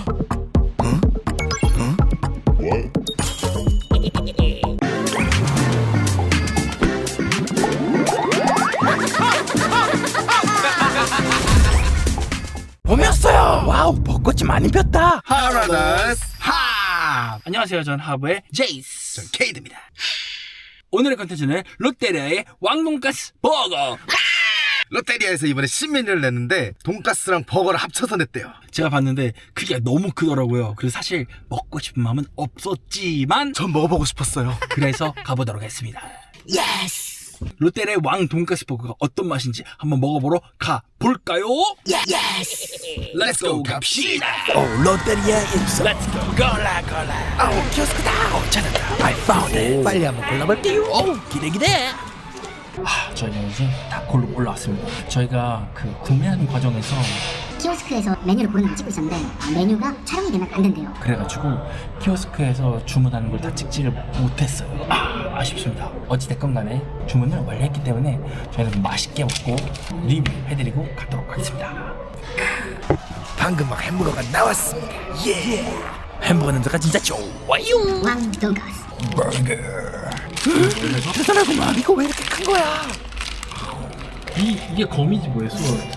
봄이었어요. 와우, 벚꽃이 많이 폈다. 하라다스 하! 안녕하세요. 전 하부의 제이스. 전 케이드입니다. 오늘의 컨텐츠는 롯데리아의 왕돈가스 버거. 롯데리아에서 이번에 신메뉴를 냈는데 돈가스랑 버거를 합쳐서 냈대요. 제가 봤는데 크기가 너무 크더라고요. 그래서 사실 먹고 싶은 마음은 없었지만 전 먹어보고 싶었어요. 그래서 가보도록 했습니다. 예스! 롯데리아의 왕 돈가스 버거가 어떤 맛인지 한번 먹어보러 가볼까요? 예스! Let's go 갑시다! 오, 롯데리아 입성! Let's go! 골라! 오, 키오스크다! 찾았다! I found it! 빨리 한번 골라볼게요! 오, 기대! 저희가 이제 다콜로 올라왔습니다. 저희가 그 구매하는 과정에서 키오스크에서 메뉴를 고르는 걸 찍고 있었는데 메뉴가 촬영이 되면 안 된대요. 그래가지고 키오스크에서 주문하는 걸 다 찍지를 못했어요. 아쉽습니다. 어찌됐건 간에 주문을 완료했기 때문에 저희는 맛있게 먹고 리뷰해드리고 가도록 하겠습니다. 방금 막 햄버거가 나왔습니다. 예! 햄버거 냄새가 진짜 좋아요. 왕 돈가스. 버거. 대단하구만. 이거 왜 이렇게 큰 거야? 이게 거미지 뭐예요?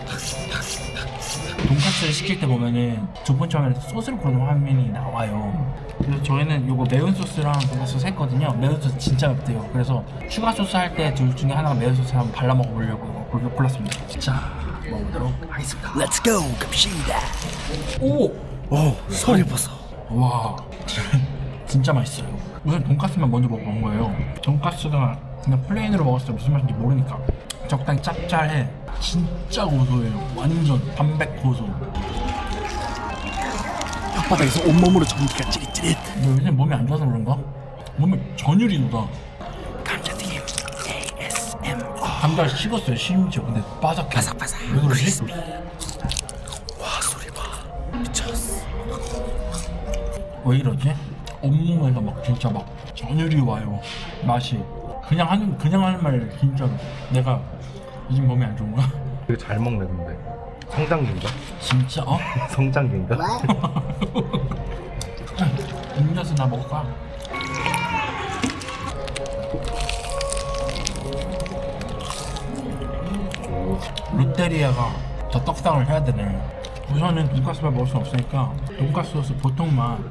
돈까스를 시킬 때 보면은 두 번째 화면에 소스를 고르는 화면이 나와요. 그래서 저희는 요거 매운 소스랑 돈까스 소스 했거든요. 매운 소스 진짜 맵대요. 그래서 추가 소스 할 때 둘 중에 하나가 매운 소스 한번 발라 먹어보려고 골랐습니다. 자, 먹어보도록 하겠습니다. Let's go 갑시다. 오, 소리 보소. 와, 진짜 맛있어요. 우선 돈까스만 먼저 먹어본 거예요. 돈까스가 그냥 플레인으로 먹었을 때 무슨 맛인지 모르니까 적당히 짭짤해. 진짜 고소해요. 완전 담백 고소. 혓바닥에서 온몸으로 전기가 찌릿찌릿. 요즘 몸이 안 좋아서 그런가? 몸이 전율이 돋아. 감자튀김 ASMR. 감자를 식었어요 심지어. 근데 바삭바삭. 왜 그러지? 와 소리 봐. 미쳤어. 왜 이러지? 온몸에서 막 진짜 막 전율이 와요. 맛이 그냥 하는 말 진짜로 내가 요즘 몸이 안 좋은가? 되게 잘 먹네 근데 성장기인가? 진짜 어? 성장기인가? 음료수 나 먹을까? 롯데리아가 더 떡상을 해야 되네. 우선은 돈가스만 먹을 수 없으니까 돈가스 소스 보통만.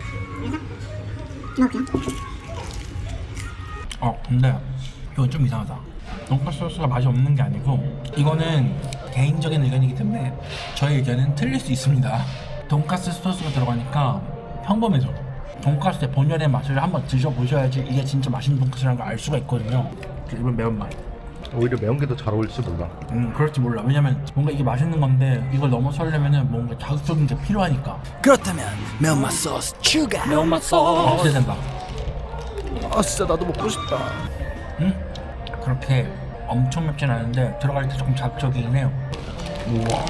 근데 이건 좀 이상하다. 돈가스 소스가 맛이 없는 게 아니고 이거는 개인적인 의견이기 때문에 저의 의견은 틀릴 수 있습니다. 돈가스 소스가 들어가니까 평범해져. 돈가스의 본연의 맛을 한번 드셔보셔야지 이게 진짜 맛있는 돈가스라는 걸 알 수가 있거든요. 이번 매운맛. 오히려 매운 게 더 잘 어울릴지 몰라. 그럴지 몰라. 왜냐면 뭔가 이게 맛있는 건데 이걸 넘어서려면은 뭔가 자극적인 게 필요하니까. 그렇다면 매운맛 소스 추가. 매운맛 소스 기대된다. 아 진짜 나도 먹고 싶다. 응? 그렇게 엄청 맵진 않은데 들어갈 때 조금 자극적이긴 해요. 우와.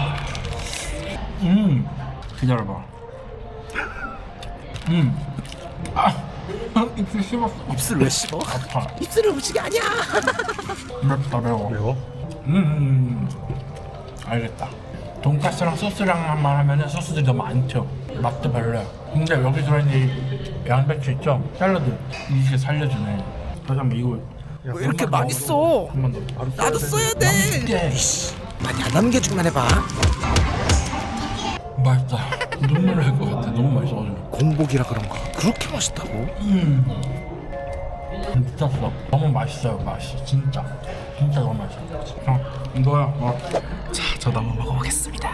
기다려봐. 입술 씹었어. 입술 왜 씹어? 아파. 입술은 음식이 아니야. 맵다 매워. 매워? 알겠다. 돈가스랑 소스랑만 하면은 소스들이 너무 많죠. 맛도 별로야. 근데 여기 들어있는 이 양배추 있죠? 샐러드 이게 살려주네. 다시 한번 이거 왜 이렇게 많이 써? 한 번 더. 나도 써야 돼. 예. 이씨, 많이 안 남은 게 중간해봐. 맛있다. 눈물 날 것 같아. 너무 맛있어가지고. 공복이라 그런가? 그렇게 맛있다고? 미쳤어. 너무 맛있어요. 맛이 진짜 너무 맛있어. 이거야. 자, 저도 한번 먹어보겠습니다.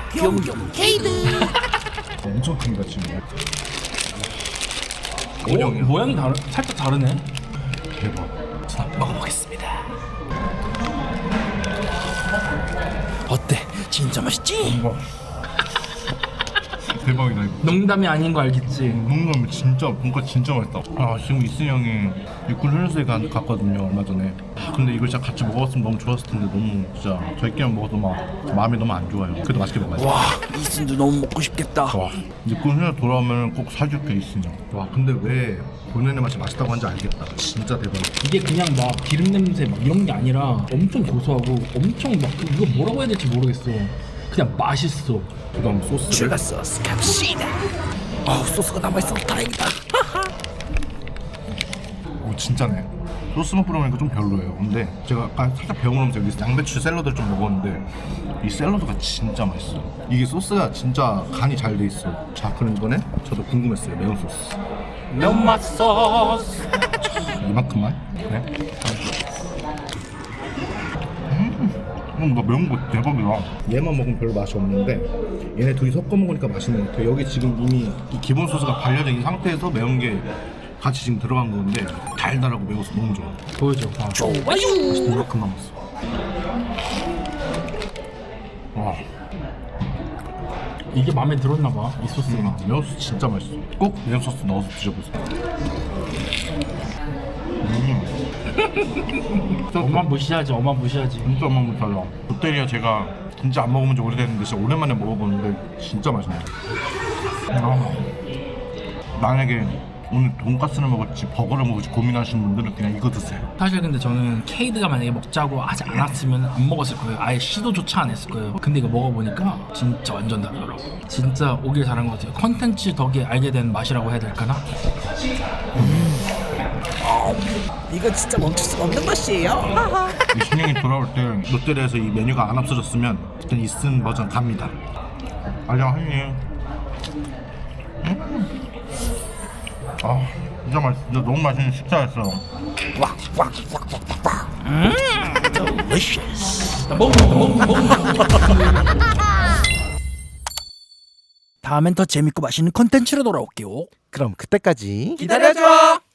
엄청 큽니다 지금. 모양이 살짝 다르네. 대박. 자, 먹어보겠습니다. 어때? 진짜 맛있지? 이거 대박이다 이거. 농담이 아닌 거 알겠지? 농담이 진짜 돈까스 진짜 맛있다. 지금 이승 형이 육군 훈련소에 갔거든요 얼마 전에. 근데 이걸 진짜 같이 먹었으면 너무 좋았을 텐데 너무 진짜 저희끼리만 먹어도 막 마음이 너무 안 좋아요. 그래도 맛있게 먹어야지. 와, 이순도 너무 먹고 싶겠다. 와, 육군 훈련 돌아오면 꼭 사줄게 이승 형. 와, 근데 왜 본연의 맛이 맛있다고 하는지 알겠다. 진짜 대박. 이게 그냥 막 기름 냄새 막 이런 게 아니라 엄청 고소하고 엄청 막 이거 뭐라고 해야 될지 모르겠어. 그냥 맛있어. 그다음 소스를 추가 소스 갑시다. 소스가 남아있어. 다행이다. 오 진짜네. 소스만 뿌려놓으니까 좀 별로예요. 근데 제가 아까 살짝 배워놓으면서 여기 양배추 샐러드를 좀 먹었는데 이 샐러드가 진짜 맛있어요. 이게 소스가 진짜 간이 잘 돼 있어. 자 그럼 이번에 저도 궁금했어요. 매운 소스. 면맛 소스. 이만큼만. 네. 나 매운 거 대박이다. 얘만 먹으면 별로 맛이 없는데 얘네 둘이 섞어 먹으니까 맛있는 것 같아요. 여기 지금 이미 이 기본 소스가 발려져 있는 상태에서 매운 게 같이 지금 들어간 건데 달달하고 매워서 너무 좋아. 보여줘. 좋아요. 이만큼 남았어. 와, 이게 마음에 들었나봐. 이 소스가. 매운 소스 진짜 맛있어. 꼭 매운 소스 넣어서 드셔보세요. 엄마 무시하지. 엄마 무시하지. 진짜 맛못 달라. 롯데리아 제가 진짜 안 먹어본 지 오래됐는데 진짜 오랜만에 먹어보는데 진짜 맛있네요. 만약에 오늘 돈까스를 먹을지 버거를 먹을지 고민하시는 분들은 그냥 이거 드세요. 사실 근데 저는 케이드가 만약에 먹자고 하지 않았으면 안 먹었을 거예요. 아예 시도조차 안 했을 거예요. 근데 이거 먹어보니까 진짜 완전 다르더라고. 진짜 오길 잘한 것 같아요. 컨텐츠 덕에 알게 된 맛이라고 해야 될까나? 이거 진짜 멈출 수가 없는 맛이에요. 이 신형이 돌아올 때 롯데리아에서 이 메뉴가 안 없어졌으면 그때 이쓴 버전 갑니다. 알려 하니. 아 진짜 맛있어. 진짜 너무 맛있는 식사였어. 다음엔 더 재밌고 맛있는 컨텐츠로 돌아올게요. 그럼 그때까지 기다려줘.